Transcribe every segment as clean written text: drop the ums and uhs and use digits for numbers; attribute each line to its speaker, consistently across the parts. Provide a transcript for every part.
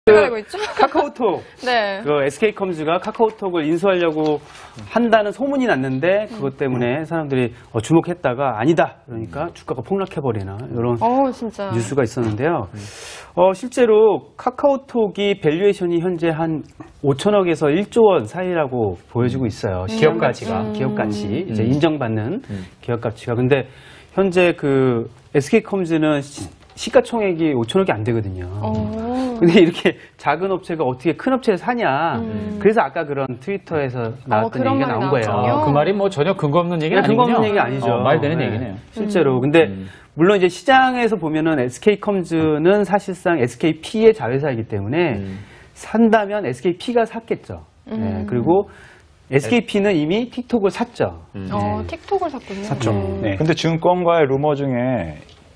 Speaker 1: 알고 있죠?
Speaker 2: 카카오톡.
Speaker 1: 네.
Speaker 2: 그 SK컴즈가 카카오톡을 인수하려고 한다는 소문이 났는데 그것 때문에 사람들이 주목했다가 아니다. 그러니까 주가가 폭락해버리나 이런
Speaker 1: 진짜.
Speaker 2: 뉴스가 있었는데요. 실제로 카카오톡이 밸류에이션이 현재 한 5천억에서 1조 원 사이라고 보여지고 있어요.
Speaker 3: 기업 가치가.
Speaker 2: 기업 가치. 이제 인정받는 기업 가치가. 근데 현재 그 SK컴즈는 시가총액이 5천억이 안 되거든요. 근데 이렇게 작은 업체가 어떻게 큰 업체를 사냐. 그래서 아까 그런 트위터에서 나왔던 얘기가 나온 거예요.
Speaker 3: 그 말이 뭐 전혀 근거 없는 얘기는 아니군요.
Speaker 2: 근거 없는 얘기 아니죠.
Speaker 3: 말되는 얘기네요.
Speaker 2: 실제로. 근데 물론 이제 시장에서 보면은 SK컴즈는 사실상 SKP의 자회사이기 때문에 산다면 SKP가 샀겠죠. 네, 그리고 SKP는 이미 틱톡을 샀죠.
Speaker 1: 틱톡을 샀군요.
Speaker 4: 샀죠.
Speaker 2: 네.
Speaker 4: 근데 증권가의 루머 중에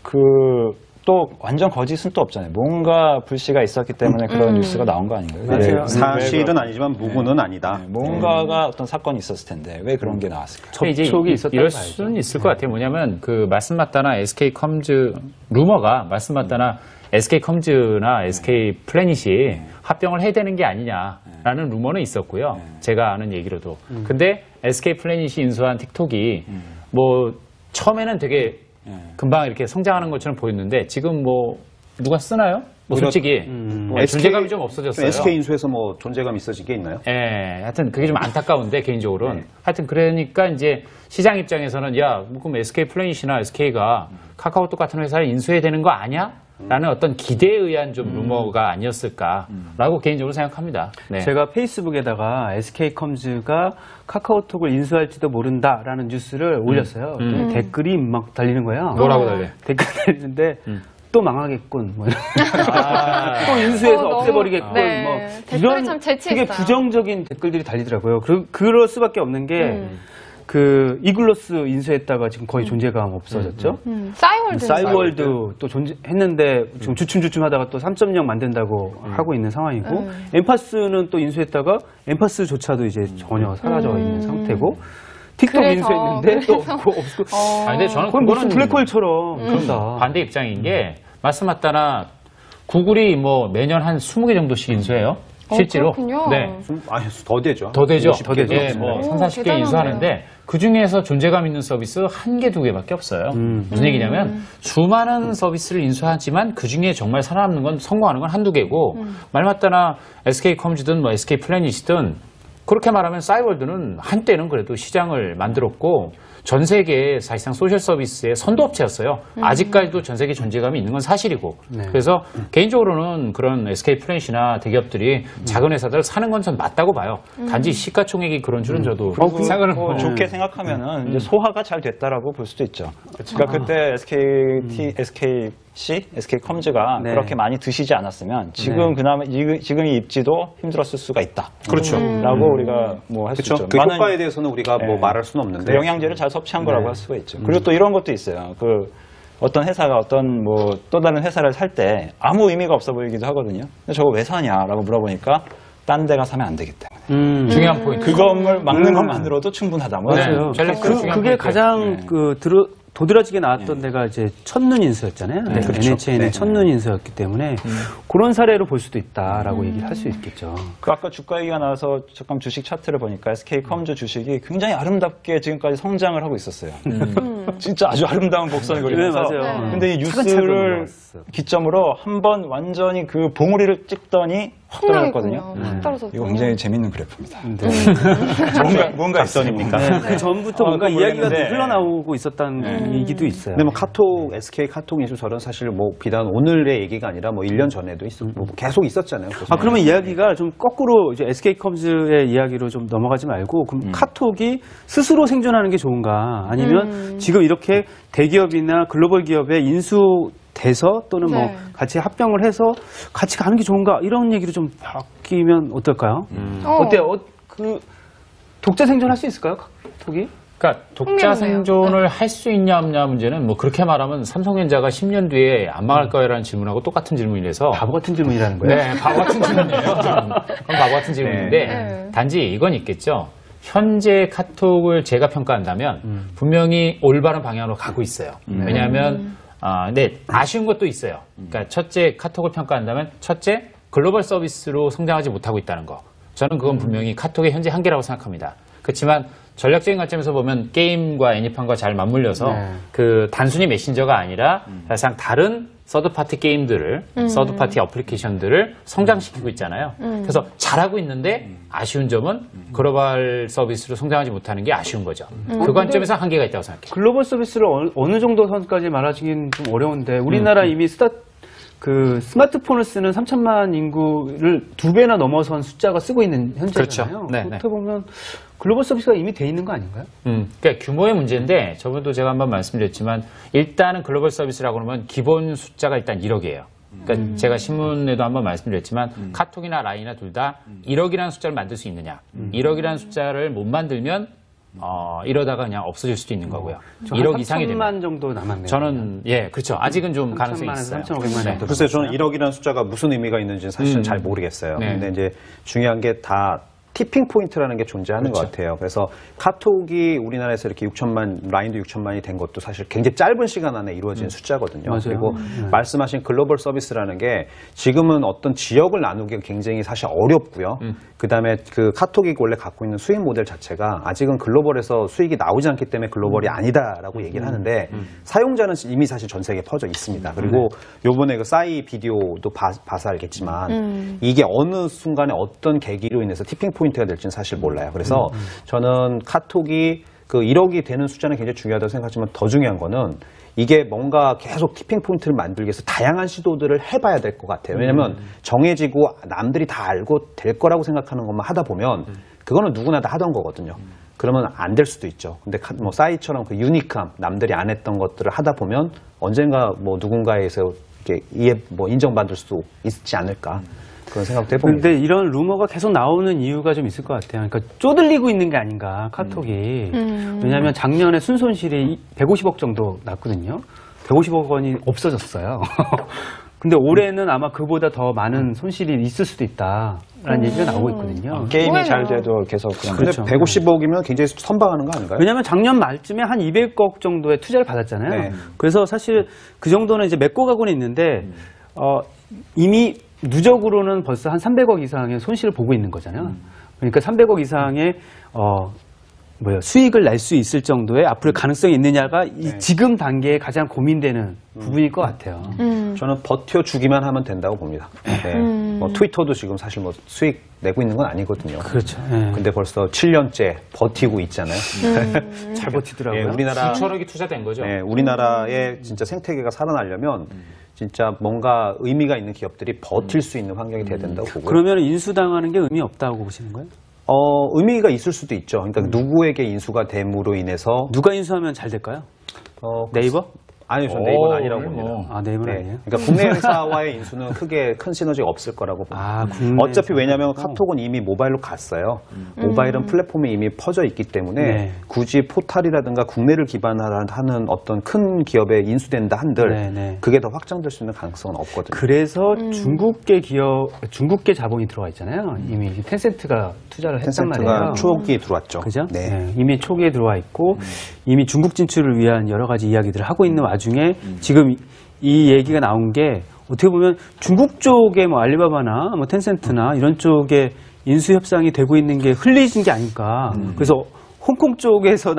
Speaker 4: 또 완전 거짓은 또 없잖아요. 뭔가 불씨가 있었기 때문에 그런 뉴스가 나온 거 아닌가요?
Speaker 2: 맞아요.
Speaker 5: 사실은 아니지만 무구는 아니다.
Speaker 4: 뭔가가 어떤 사건이 있었을 텐데 왜 그런 게 나왔을까요?
Speaker 2: 접촉이 있었다고
Speaker 3: 이럴
Speaker 2: 봐야죠.
Speaker 3: 수는 있을 것 같아요. 뭐냐면 그 말씀맞다나 SK컴즈 루머가 말씀맞다나 SK컴즈나 SK플래닛이 합병을 해야 되는 게 아니냐라는 루머는 있었고요. 제가 아는 얘기로도. 근데 SK플래닛이 인수한 틱톡이 뭐 처음에는 되게 금방 이렇게 성장하는 것처럼 보였는데 지금 뭐 누가 쓰나요? 뭐 솔직히 존재감이 좀 없어졌어요.
Speaker 5: SK 인수에서 뭐 존재감 있어진 게 있나요?
Speaker 3: 예, 하여튼 그게 좀 안타까운데 개인적으로는 하여튼 그러니까 이제 시장 입장에서는 야, 그럼 SK플래닛이나 SK가 카카오톡 같은 회사를 인수해야 되는 거 아니야? 라는 어떤 기대에 의한 좀 루머가 아니었을까라고 개인적으로 생각합니다. 네.
Speaker 2: 제가 페이스북에다가 SK컴즈가 카카오톡을 인수할지도 모른다라는 뉴스를 올렸어요. 댓글이 막 달리는 거예요.
Speaker 3: 뭐라고 달려?
Speaker 2: 댓글 달리는데 또 망하겠군. 뭐 또 인수해서 없애버리겠군.
Speaker 1: 네.
Speaker 2: 뭐
Speaker 1: 댓글이 참 재치있어요.
Speaker 2: 되게 부정적인 댓글들이 달리더라고요. 그럴 수밖에 없는 게 그 이글로스 인수했다가 지금 거의 존재감 없어졌죠.
Speaker 1: 싸이월드.
Speaker 2: 싸이월드 또 존재했는데 지금 주춤주춤하다가 또 3.0 만든다고 하고 있는 상황이고 엠파스는 또 인수했다가 엠파스조차도 이제 전혀 사라져 있는 상태고 틱톡 인수했는데 또 없고
Speaker 3: 근데 저는
Speaker 2: 거의 무슨
Speaker 3: 그거는
Speaker 2: 블랙홀처럼 그런다.
Speaker 3: 반대 입장인 게 말씀맞다나 구글이 뭐 매년 한 20개 정도씩 인수해요. 실제로.
Speaker 1: 그렇군요.
Speaker 3: 네.
Speaker 5: 아니, 더 되죠.
Speaker 3: 더 되죠.
Speaker 2: 더 되죠.
Speaker 3: 예, 뭐 3, 40개
Speaker 1: 대단하네요.
Speaker 3: 인수하는데 그 중에서 존재감 있는 서비스 1개, 2개밖에 없어요. 무슨 얘기냐면 수많은 서비스를 인수하지만 그 중에 정말 살아남는 건 성공하는 건 1, 2개고 말 맞다나 SK컴즈든 뭐 SK플래닛이든 그렇게 말하면 싸이월드는 한때는 그래도 시장을 만들었고 전 세계에 사실상 소셜 서비스의 선도업체였어요. 아직까지도 전 세계 존재감이 있는 건 사실이고. 그래서 개인적으로는 그런 SK플래닛이나 대기업들이 작은 회사들을 사는 건 전 맞다고 봐요. 단지 시가총액이 그런 줄은 저도 생각을
Speaker 4: 뭐 좋게 생각하면은 이제 소화가 잘 됐다라고 볼 수도 있죠. 그러니까 그때 SK컴즈가
Speaker 2: 네.
Speaker 4: 그렇게 많이 드시지 않았으면 지금 그나마 지금 이 입지도 힘들었을 수가 있다.
Speaker 5: 그렇죠.
Speaker 4: 라고 우리가 뭐 할 수
Speaker 5: 그렇죠.
Speaker 4: 있죠.
Speaker 5: 그
Speaker 4: 많은
Speaker 5: 효과에 대해서는 우리가 뭐 말할 수는 없는데.
Speaker 4: 그 영양제를 잘 섭취한 거라고 할 수가 있죠. 그리고 또 이런 것도 있어요. 어떤 회사가 어떤 뭐 또 다른 회사를 살 때 아무 의미가 없어 보이기도 하거든요. 근데 저거 왜 사냐라고 물어보니까 딴 데가 사면 안 되기 때문에.
Speaker 3: 중요한 포인트.
Speaker 4: 그 건물 막는 것만으로도 충분하다. 뭐
Speaker 2: 맞아요. 그게 가장 도드라지게 나왔던 데가 이제 첫눈 인수였잖아요.
Speaker 4: 그렇죠.
Speaker 2: NHN의 첫눈 인수였기 때문에 그런 사례로 볼 수도 있다라고 얘기를 할 수 있겠죠.
Speaker 4: 아까 주가 얘기가 나와서 잠깐 주식 차트를 보니까 SK컴즈 주식이 굉장히 아름답게 지금까지 성장을 하고 있었어요. 진짜 아주 아름다운 곡선을 그리면서.
Speaker 2: 네, 맞아요.
Speaker 4: 근데 이
Speaker 2: 차근차근
Speaker 4: 뉴스를
Speaker 2: 올라왔어요.
Speaker 4: 기점으로 한번 완전히 그 봉우리를 찍더니 확 떨어졌거든요.
Speaker 1: 확 떨어졌죠.
Speaker 4: 이거 굉장히 재밌는 그래프입니다.
Speaker 5: 뭔가 있었습니까?
Speaker 2: 그 전부터 뭔가
Speaker 4: 그건
Speaker 2: 이야기가
Speaker 4: 모르겠는데.
Speaker 2: 흘러나오고 있었다는 얘기도 있어요.
Speaker 5: 근데 뭐 SK 카톡 인수설은 사실 뭐 비단 오늘의 얘기가 아니라 뭐 1년 전에도 뭐 계속 있었잖아요.
Speaker 2: 그러면 이야기가 좀 거꾸로 이제 SK컴즈의 이야기로 좀 넘어가지 말고 그럼 카톡이 스스로 생존하는 게 좋은가 아니면 지금 이렇게 대기업이나 글로벌 기업에 인수돼서 또는 뭐 같이 합병을 해서 같이 가는 게 좋은가 이런 얘기로 좀 바뀌면 어떨까요? 어때요? 그 독자 생존할 수 있을까요? 카톡이?
Speaker 3: 그러니까 독자 생존을 할 수 있냐 없냐 문제는 뭐 그렇게 말하면 삼성전자가 10년 뒤에 안 망할 거야라는 질문하고 똑같은 질문이라서
Speaker 2: 바보 같은 질문이라는 거예요?
Speaker 3: 네, 바보 같은 질문이에요. 그건 바보 같은 질문인데 단지 이건 있겠죠. 현재 카톡을 제가 평가한다면 분명히 올바른 방향으로 가고 있어요. 왜냐하면 네, 아쉬운 것도 있어요. 그러니까 첫째 카톡을 평가한다면 첫째 글로벌 서비스로 성장하지 못하고 있다는 거. 저는 그건 분명히 카톡의 현재 한계라고 생각합니다. 그렇지만 전략적인 관점에서 보면 게임과 애니팡과 잘 맞물려서 그 단순히 메신저가 아니라 사실상 다른 서드파티 게임들을, 서드파티 어플리케이션들을 성장시키고 있잖아요. 그래서 잘하고 있는데 아쉬운 점은 글로벌 서비스로 성장하지 못하는 게 아쉬운 거죠. 그 관점에서 한계가 있다고 생각해요.
Speaker 2: 글로벌 서비스를 어느 정도 선까지 말하기는 좀 어려운데 우리나라 이미 스마트폰을 쓰는 3천만 인구를 2배나 넘어선 숫자가 쓰고 있는 현재잖아요.
Speaker 3: 그렇죠. 네,
Speaker 2: 그렇다 보면 글로벌 서비스가 이미 돼 있는 거 아닌가요?
Speaker 3: 그러니까 규모의 문제인데 저번에도 제가 한번 말씀드렸지만 일단은 글로벌 서비스라고 하면 기본 숫자가 일단 1억이에요. 그러니까 제가 신문에도 한번 말씀드렸지만 카톡이나 라인이나 둘 다 1억이라는 숫자를 만들 수 있느냐. 1억이라는 숫자를 못 만들면 이러다가 그냥 없어질 수도 있는 거고요. 1억 이상이 되면
Speaker 2: 3천만 정도 남았네요.
Speaker 3: 저는 그렇죠. 아직은 좀 가능성이 있어요.
Speaker 2: 3,500만 정도.
Speaker 5: 글쎄요, 저는 1억이라는 숫자가 무슨 의미가 있는지는 사실은 잘 모르겠어요.
Speaker 3: 네.
Speaker 5: 근데 이제 중요한 게 다 티핑 포인트라는 게 존재하는 것 같아요. 그래서 카톡이 우리나라에서 이렇게 6천만, 라인도 6천만이 된 것도 사실 굉장히 짧은 시간 안에 이루어진 숫자거든요.
Speaker 2: 맞아요.
Speaker 5: 그리고 말씀하신 글로벌 서비스라는 게 지금은 어떤 지역을 나누기가 굉장히 사실 어렵고요. 그다음에 그 카톡이 원래 갖고 있는 수익 모델 자체가 아직은 글로벌에서 수익이 나오지 않기 때문에 글로벌이 아니다라고 얘기를 하는데 사용자는 이미 사실 전 세계에 퍼져 있습니다. 그리고 요번에 그 싸이 비디오도 봐서 알겠지만 이게 어느 순간에 어떤 계기로 인해서 티핑 포인트가 될지는 사실 몰라요. 그래서 저는 카톡이 그 1억이 되는 숫자는 굉장히 중요하다고 생각하지만 더 중요한 거는 이게 뭔가 계속 티핑 포인트를 만들기 위해서 다양한 시도들을 해봐야 될 것 같아요. 왜냐하면 정해지고 남들이 다 알고 될 거라고 생각하는 것만 하다 보면 그거는 누구나 다 하던 거거든요. 그러면 안 될 수도 있죠. 근데 뭐 싸이처럼 그 유니크함, 남들이 안 했던 것들을 하다 보면 언젠가 뭐 누군가에서 이렇게 인정받을 수 있지 않을까. 그런 생각도 해봅니다.
Speaker 2: 근데 이런 루머가 계속 나오는 이유가 좀 있을 것 같아요. 그러니까 쪼들리고 있는 게 아닌가, 카톡이. 왜냐하면 작년에 순손실이 150억 정도 났거든요. 150억 원이 없어졌어요. 근데 올해는 아마 그보다 더 많은 손실이 있을 수도 있다라는 얘기가 나오고 있거든요.
Speaker 4: 게임이 잘 돼도 계속 그냥
Speaker 5: 근데
Speaker 2: 그렇죠.
Speaker 5: 150억이면 굉장히 선방하는 거 아닌가요?
Speaker 2: 왜냐하면 작년 말쯤에 한 200억 정도의 투자를 받았잖아요.
Speaker 5: 네.
Speaker 2: 그래서 사실 그 정도는 이제 메꿔 가고는 있는데 이미 누적으로는 벌써 한 300억 이상의 손실을 보고 있는 거잖아요. 그러니까 300억 이상의 수익을 낼 수 있을 정도의 앞으로 가능성이 있느냐가 이 지금 단계에 가장 고민되는 부분일 것 같아요.
Speaker 5: 저는 버텨주기만 하면 된다고 봅니다. 네. 뭐 트위터도 지금 사실 뭐 수익 내고 있는 건 아니거든요.
Speaker 2: 그렇죠. 네.
Speaker 5: 근데 벌써 7년째 버티고 있잖아요.
Speaker 2: 잘 버티더라고요.
Speaker 5: 예, 우리나라
Speaker 3: 수천억이 투자된 거죠.
Speaker 5: 네, 우리나라의 진짜 생태계가 살아나려면 진짜 뭔가 의미가 있는 기업들이 버틸 수 있는 환경이 돼야 된다고 보고요.
Speaker 2: 그러면 인수당하는 게 의미 없다고 보시는 거예요?
Speaker 5: 의미가 있을 수도 있죠. 그러니까 누구에게 인수가 됨으로 인해서
Speaker 2: 누가 인수하면 잘 될까요? 네이버?
Speaker 5: 아니요, 저는 네이버는 아니라고 봅니다.
Speaker 2: 아, 네이버는 아니에요?
Speaker 5: 그러니까 국내 회사와의 인수는 크게 큰 시너지가 없을 거라고 봅니다.
Speaker 2: 아, 국내
Speaker 5: 어차피 왜냐하면 카톡은 이미 모바일로 갔어요. 모바일은 플랫폼이 이미 퍼져 있기 때문에
Speaker 2: 네.
Speaker 5: 굳이 포탈이라든가 국내를 기반으로 하는 어떤 큰 기업에 인수된다 한들
Speaker 2: 네, 네.
Speaker 5: 그게 더 확장될 수 있는 가능성은 없거든요.
Speaker 2: 그래서 중국계 자본이 들어와 있잖아요. 이미 텐센트가 투자를 했단 말이에요.
Speaker 5: 텐센트가 초기에 들어왔죠.
Speaker 2: 그죠?
Speaker 5: 네.
Speaker 2: 네, 이미 초기에 들어와 있고 이미 중국 진출을 위한 여러 가지 이야기들을 하고 있는 와중에 지금 이 얘기가 나온 게 어떻게 보면 중국 쪽에 뭐 알리바바나 뭐 텐센트나 이런 쪽에 인수 협상이 되고 있는 게 흘리진 게 아닐까. 그래서 홍콩 쪽에서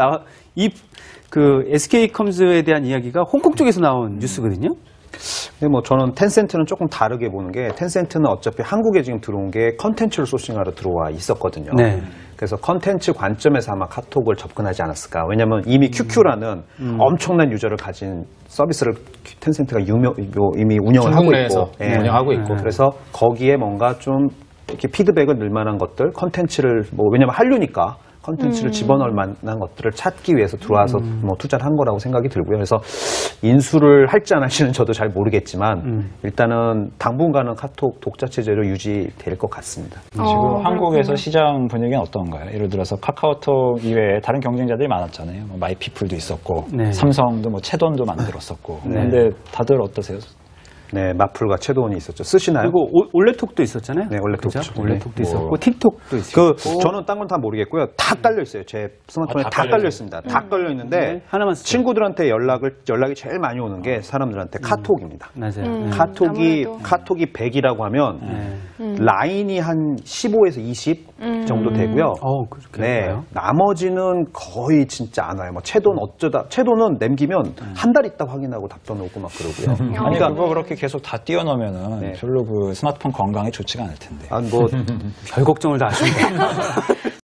Speaker 2: 그 SK컴즈에 대한 이야기가 홍콩 쪽에서 나온 뉴스거든요.
Speaker 5: 근데 뭐 저는 텐센트는 조금 다르게 보는 게 텐센트는 어차피 한국에 지금 들어온 게 컨텐츠를 소싱하러 들어와 있었거든요.
Speaker 2: 네.
Speaker 5: 그래서 컨텐츠 관점에서 아마 카톡을 접근하지 않았을까. 왜냐하면 이미 QQ라는 엄청난 유저를 가진 서비스를 텐센트가 이미 운영을 하고
Speaker 3: 중국 내에서
Speaker 5: 있고, 예.
Speaker 3: 운영하고 있고.
Speaker 5: 그래서 거기에 뭔가 좀 이렇게 피드백을 넣을 만한 것들, 컨텐츠를 왜냐면 한류니까 컨텐츠를 집어넣을 만한 것들을 찾기 위해서 들어와서 뭐 투자를 한 거라고 생각이 들고요. 그래서 인수를 할지 안 할지는 저도 잘 모르겠지만 일단은 당분간은 카톡 독자 체제로 유지될 것 같습니다.
Speaker 4: 지금 한국에서 시장 분위기는 어떤가요? 예를 들어서 카카오톡 이외에 다른 경쟁자들이 많았잖아요. 뭐 마이피플도 있었고
Speaker 2: 네.
Speaker 4: 삼성도 뭐 채돈도 만들었었고. 근데 다들 어떠세요?
Speaker 5: 네, 마플과 채도원이 있었죠. 쓰시나요?
Speaker 2: 그리고 올레톡도 있었잖아요.
Speaker 5: 네, 올레톡.
Speaker 2: 그죠?
Speaker 5: 네.
Speaker 2: 올레톡도 있었고 틱톡도 있었고.
Speaker 5: 저는 딴 건 다 모르겠고요. 다 깔려 있어요. 제 스마트폰에
Speaker 3: 다
Speaker 5: 다
Speaker 3: 깔려
Speaker 5: 깔려 있습니다. 다 깔려 있는데
Speaker 2: 네, 하나만 쓰죠.
Speaker 5: 친구들한테 연락이 제일 많이 오는 게 사람들한테 카톡입니다.
Speaker 2: 맞아요.
Speaker 1: 아무래도.
Speaker 5: 카톡이 100이라고 하면 라인이 한 15에서 20 정도 되고요.
Speaker 2: 그렇게
Speaker 5: 네,
Speaker 2: 할까요?
Speaker 5: 나머지는 거의 진짜 안 와요. 뭐 채도는 남기면 한 달 있다 확인하고 답변 오고 막 그러고요.
Speaker 4: 아니
Speaker 5: 그러니까
Speaker 4: 그거 그렇게 계속 다 띄워놓으면은
Speaker 5: 네.
Speaker 4: 별로 그 스마트폰 건강에 좋지가 않을 텐데.
Speaker 5: 뭐
Speaker 2: 별 걱정을 다 하시는 거예요.